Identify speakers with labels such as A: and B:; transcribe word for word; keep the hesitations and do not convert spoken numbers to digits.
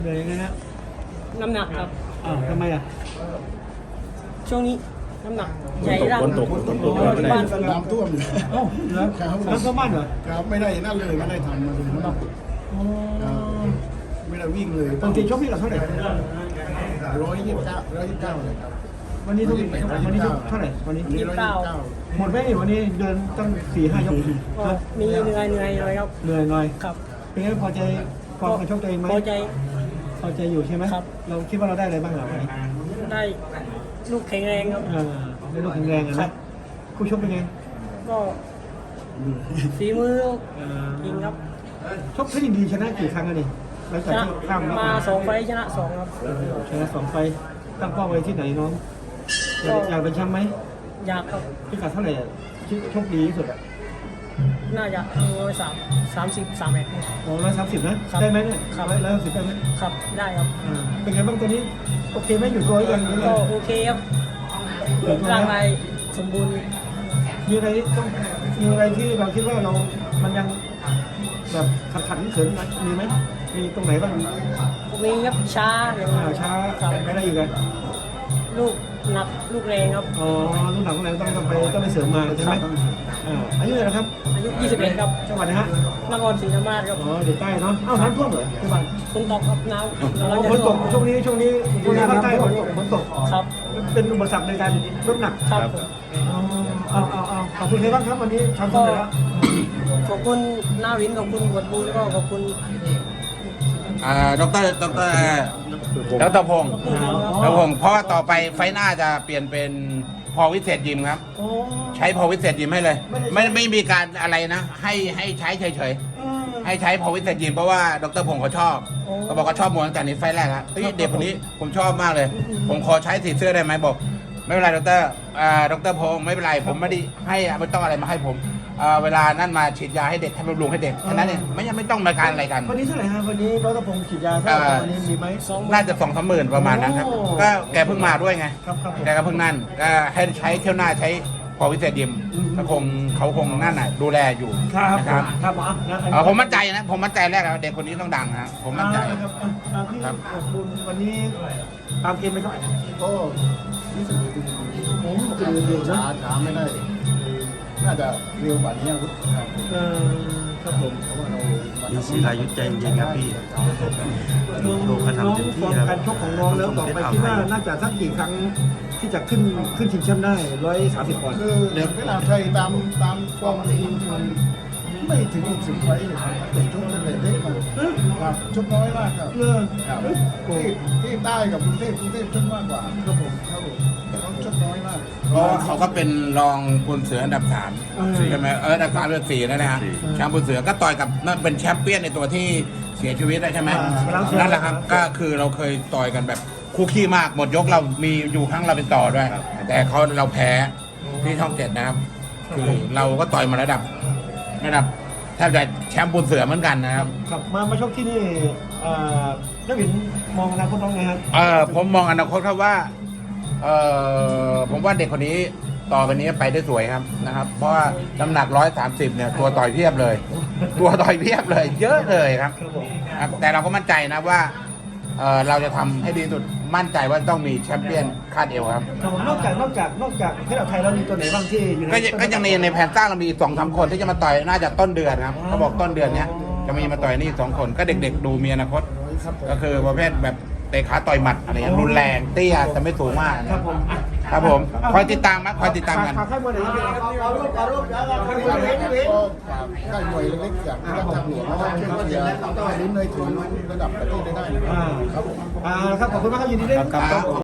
A: เหนื่อยยังไงฮะ
B: น้ำหนักครับ
A: อ้าวทำไมอ่ะ
B: ช่วงนี้น้ำหนักใหญ่ร่าง
C: ฝนตกฝนตก
B: อ๋อที่บ้าน
D: น้ำท่วมอยู่
A: เอ้าแล้วน้ำท่วมบ้านเหรอ
D: ครับไม่ได้นั่นเลยไม่ได้ทำมาเลยครับ
A: อ๋อ
D: ไม่ได้วิ่งเลย
A: ปกติชกพี่กับเท่าไหร่
D: ร้อยยี่สิบเก้าร้อยยี่สิบเก้าเลยครับ
A: วันนี้ทุกวันนี้ทุกเท่าไหร่วันนี้
D: วันนี้ร้อยยี่สิบเก้า
A: หมดไหมนี่วันนี้เดินตั้งสี่ห้ายก
B: ก็มีเหนื่อยเหนื่อยเลยครับ
A: เหนื่อยหน่อย
B: ครับ
A: เป็นไงพอใจฟอร์มการชกตัวเองไหม
B: พอใจ
A: พอใจอยู่ใช่ไหม
B: ครับ
A: เราคิดว่าเราได้อะไรบ้างเหรอวันนี้
B: ได้ลูกแข็งแรงครับ
A: เออได้ลูกแข็งแรงอะ
B: ครั
A: นะ
B: บ
A: คู่ชกเป็นไง
B: ก็ฝีมือ
A: เออ
B: จริงครับ
A: ชกที่ดีชนะกี่ครั้งอะนี่หลัง
B: ช
A: จาก
B: นะ
A: ที่ข้าม
B: มาสองไฟล์ชนะสองครับ
A: ชนะสองไฟล์ตั้งเป้าไว้ที่ไหนน้องอยากอยากเป็นแชมป์ไหม
B: อยากครับ
A: พิกัดเท่าไหร่อะที่โชคดีที่สุดอ่ะ
B: น่าจะร้อยสามสามสิบสามเอ็ด
A: โอ้ร้อยสามสิบนะครับ ได้ไหมเนี่ย
B: ครับ
A: ร้อยร้อยสามสิบได้ไหม
B: ครับได้ครับ
A: อ่าเป็นไงบ้างตัวนี้โอเคไหมอยู่ตัวยังหรือไง
B: ก็โอเคครับ
A: อยู่ตัว
B: ร่าง
A: ไหม
B: กายสมบูรณ์
A: มีอะไรต้องมีอะไรที่เราคิดว่าเรา มันยังแบบขัดขัดเขินๆมีไหมมีตรงไหนบ้าง
B: มีครับช้าอย่าง
A: อ่าช้า
B: ครับ
A: ไม่ได้อยู่กัน
B: ลูกหนักลูกแรงครับ
A: อ๋อลูกหนังแรงต้องต้องไปต้องไปเสริมมาใช่ไหมอ่าอายุเท่าไหร่นะครับ
B: อายุยี่สิบเอ็ดครับ
A: จังหวัดนะฮะ
B: นครศรีธรรมราชครับ
A: อ๋อเด็กใต้เนาะอ้าวน้ำท่วมเหรอที่บ้าน
B: ฝนตกครับน้ำ
A: อ๋
B: กำลัง
A: อ
B: จะ
A: ฝนต
B: ท่ว
A: ก
B: ม
A: ช่วงนี้ช่วงนี้ช่วงนี้ภาคใต้ฝนตกฝนตก
B: ครับ
A: เป็นอุปสรรคในการลดหนัก
B: ครับผม
A: เอาเอาเอาขอบคุณใครบ้างครับวันนี้ทำสำเร็จแล้ว
B: ขอบคุณหน้าวินขอบคุณบวชบุญแล้วก็ขอบคุณ
C: อ่าดรดรดรพงศ์ดรพงศ์เพราะว่าต่อไปไฟหน้าจะเปลี่ยนเป็นพอวิเศษยิมครับ
A: โอ้
C: ใช้พอวิเศษยิมให้เลย ไม่ไม่มีการอะไรนะ ให้ให้ใช้เฉย
A: เออ
C: ๆให้ใช้พอวิเศษยิมเพราะว่าดรพงศ์เขาชอบเขาบอกเขาชอบมวยตั้งแต่นี้ไฟแรกครับเฮ้ยเด็กคนนี้ผมชอบมากเลย ผมขอใช้สีเสื้อได้ไหมบอก ไม่เป็นไรดรอ่าดรพงศ์ไม่เป็นไรผมไม่ได้ให้ไม่ต้องอะไรมาให้ผมอ่าเวลานั่นมาฉีดยาให้เด็กให้บำรุงให้เด็กแค่นั้นเองไม่ยังไม่ต้องมาการอะไรกัน
A: วันนี้เท่าไหร่ฮะวันนี้ร้อยตะพงศ์ฉีดยาเท่าไหร่วันนี้มีไหม
C: น่าจะสองสามหมื่นประมาณนั้นครับ
A: โอ้
C: ก็แกเพิ่งมาด้วยไง
A: ครับครับผม
C: แกก็เพิ่งนั่นก็ให้ใช้เที่ยวหน้าใช้พอวิเศษยิม
A: อืม
C: ก็คงเขาคงนั่นน่ะดูแลอยู่
A: ครับ
C: นะครับ
A: ครับอ่ะนะ
C: เออผมมั่นใจนะผมมั่นใจแรกแล้วเด็กคนนี้ต้องดังนะผมมั่นใจ
A: อ่าครับอ่ะอ่ะพี่
C: ครับ
A: ขอบคุณวันนี้ตามเกมไปเท่าไหร่
D: ก็รู้สึกดี
A: ผมปก
D: คือ
A: ติเร็ว
D: ช้า
A: นะ
D: ช้าไม่ได้น่าจะเร็วกว่านี้ครับ
A: เออครับผม
D: เพราะว่าเรา
E: มีศิลายุทธใจเย็นครับพี่
A: น้อง
E: โลกเขา
A: น้อง
E: ทำเต็มที่
A: ฟอร์ม
E: ครับ
A: การชกของน้องแล้วต่อไปคิดว่าน่าจะสักกี่ครั้งที่จะขึ้นขึ้นชิงแชมป์ได้ร้อยสามสิบปอนด์
D: คือเด็กเวลาไทยตามตามฟอร์มทีมมันไม่ถึงหกสิบไฟเลยครับเด็กชกเป็นเด็กเล็กครับครับชกน้อยมากครับ
A: เลิก
D: ครับ
A: โอ้
D: ที่ที่ใต้กับกรุงเทพกรุงเทพชกมากกว่า
A: ครับผม
D: ครับผมเขาชกน้อยมาก
C: เพราะว่าเขาก็เป็นรองปุนเสืออันดับสามใช่ไหมเอออันดับสามเป็นสี่นั่นนะฮะแชมป์ปุนเสือก็ต่อยกับนั่นเป็นแชมเปี้ยนในตัวที่เสียชีวิตได้ใช่ไหมนั่นแหละครับก็คือเราเคยต่อยกันแบบคู่ขี้มากหมดยกเรามีอยู่ครั้งเราเป็นต่อด้วย แต่เขาเราแพ้ที่ช่องเจ็ดนะครับ คือเราก็ต่อยมาระดับระดับแทบจะแชมป์ปุนเสือเหมือนกันนะครับ
A: ครับมามาชกที่นี่เอ่อนักบินมองอนาคตน้องไงครับ
C: เออผมมองอนาคตครับว่าเออผมว่าเด็กคนนี้ต่อไปนี้ไปได้สวยครับนะครับ เพราะว่าน้ำหนักร้อยสามสิบเนี่ยตัวต่อยเพียบเลย ตัวต่อยเพียบเลย เยอะเลยครับ
A: ครับผม
C: ครับแต่เราก็มั่นใจนะว่าเออเราจะทำให้ดีที่สุดมั่นใจว่าต้องมีแชมเปี้ยนคาดเอวครับ
A: ครับผมนอกจากนอกจากนอกจากที่เราไทยเรามีตัวไหนบ้างที่อยู่ใน
C: ก็ยังก็ยังในในแผนสร้างเรามีสองสามคนที่จะมาต่อยน่าจะต้นเดือนครับเขาบอกต้นเดือนเนี้ยจะมีมาต่อยนี่สองคนก็เด็กๆดูมีอนาคต
A: ครับผม
C: ก็คือประเภทแบบเตะขาต่อยหมัดอะไรอย่างเงี้ยรุนแรงเตี้ยแต่ไม่สูงมาก
A: ครับผมอ่ะ
C: ครับผมคอยติดตามนะคอยติดตามกัน
A: ฝากให้บริษัทเอารูปเอารูปเอารูปเอารูป
D: ก็
A: เอารูปเอารูป
D: ฝากค่ายมวยเล็กๆอย่างที่รัฐทางหลวงนะครับช่วยเชียร์ลุ้นในถึงระดับประเทศได้ได้นะครับ
A: อ่าครับผมอ่าครับขอบคุณมากครับยินดีด้วยครับ